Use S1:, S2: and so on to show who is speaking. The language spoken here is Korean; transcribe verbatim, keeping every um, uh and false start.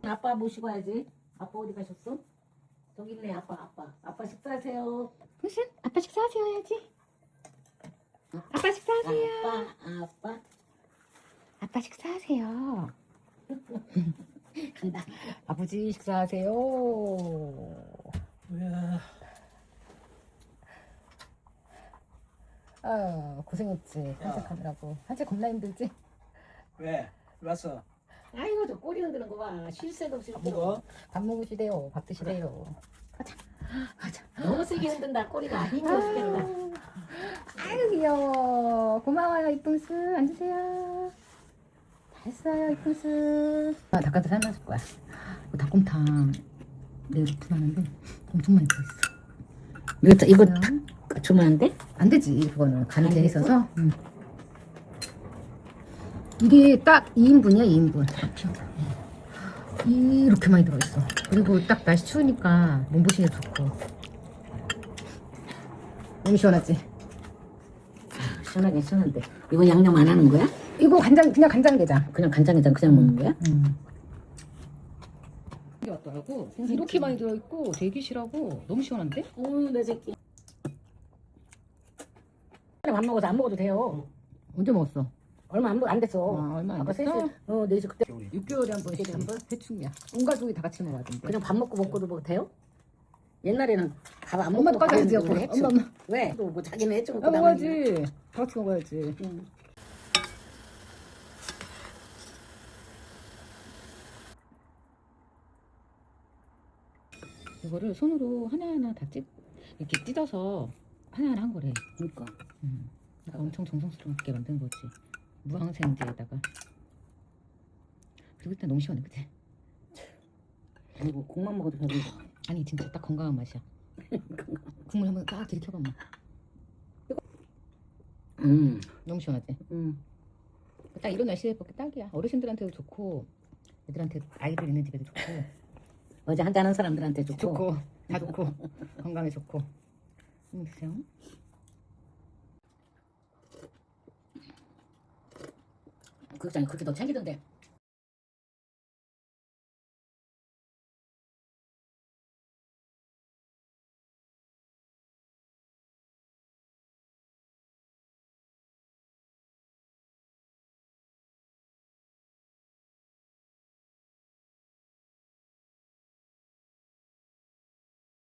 S1: 아빠 모시고 와야지. 아빠 어디 가셨어? 저기 있네. 아빠 아빠 아빠 식사하세요.
S2: 무슨? 아빠 식사하세요 해야지. 아빠 식사하세요.
S1: 아빠 아빠
S2: 아빠 식사하세요.
S1: 간다.
S2: 아버지 식사하세요.
S3: 뭐야?
S2: 아 고생했지. 산책하느라고. 산책 겁나 힘들지?
S3: 왜? 왔어?
S1: 아이고 저 꼬리 흔드는 거 봐. 쉴 새도 없이
S3: 안
S1: 흔들어.
S3: 먹어?
S2: 밥 먹으시대요. 밥 드시대요. 가자. 가자.
S1: 너무 세게 흔든다. 꼬리가 힘들어 죽겠다.
S2: 아유 귀여워. 고마워요 이쁜스. 앉으세요. 잘했어요 이쁜스. 아 닭가슴 삶아줄 거야. 이거 닭곰탕 내일 오픈하는데 엄청 많이 들어있어.
S1: 이거 이거 딱 주면 안 돼?
S2: 안 되지 그거는 간이
S1: 안
S2: 돼
S1: 돼서?
S2: 있어서. 응. 이게 딱 이 인분이야 이 인분. 이렇게 많이 들어있어. 그리고 딱 날씨 추우니까 몸보신에 좋고. 너무 시원하지?
S1: 시원하게 시원한데. 이거 양념 안 하는 거야?
S2: 이거 간장 그냥 간장게장.
S1: 그냥 간장에다 그냥 먹는 거야?
S2: 음. 이게 왔더라고. 이렇게 많이 들어있고 되게 실하고 너무 시원한데?
S1: 어우 내 새끼. 밥 먹어서 안 먹어도 돼요.
S2: 언제 먹었어?
S1: 얼마 안, 안 됐어.
S2: 아, 얼마 안
S1: 아까
S2: 됐어?
S1: 셋이 어 넷이 그때
S2: 육 개월에 한 번씩 한 번? 대충이야. 온 가족이 다 같이 먹어야 된대.
S1: 그냥 밥 먹고 먹고도 뭐 돼요? 옛날에는 밥 안 먹고
S2: 엄마도 까다리지
S1: 가는
S2: 여보.
S1: 걸 했죠.
S2: 엄마 엄마.
S1: 왜? 또 뭐 자기는 해주고
S2: 아, 먹어야지. 다 같이 먹어야지.
S1: 응.
S2: 이거를 손으로 하나하나 다 찢, 이렇게 찢어서 하나하나 한 거래.
S1: 그러니까
S2: 음. 그러니까 엄청 정성스럽게 만든 거지. 무항생제에다가. 그리고 일단 너무 시원해, 그치?
S1: 아이고 국만 먹어도 배부르.
S2: 아니 진짜 딱 건강한 맛이야. 국물 한번 딱 들이켜봐.
S1: 음,
S2: 너무 시원하지?
S1: 음.
S2: 딱 이런 날씨에 먹기 딱이야. 어르신들한테도 좋고 애들한테 아이들 있는 집에도 좋고
S1: 어제 한잔한 사람들한테 좋고.
S2: 좋고 다 좋고 건강에 좋고. 음, 그죠?
S1: 극장에 그렇게 너 챙기던데.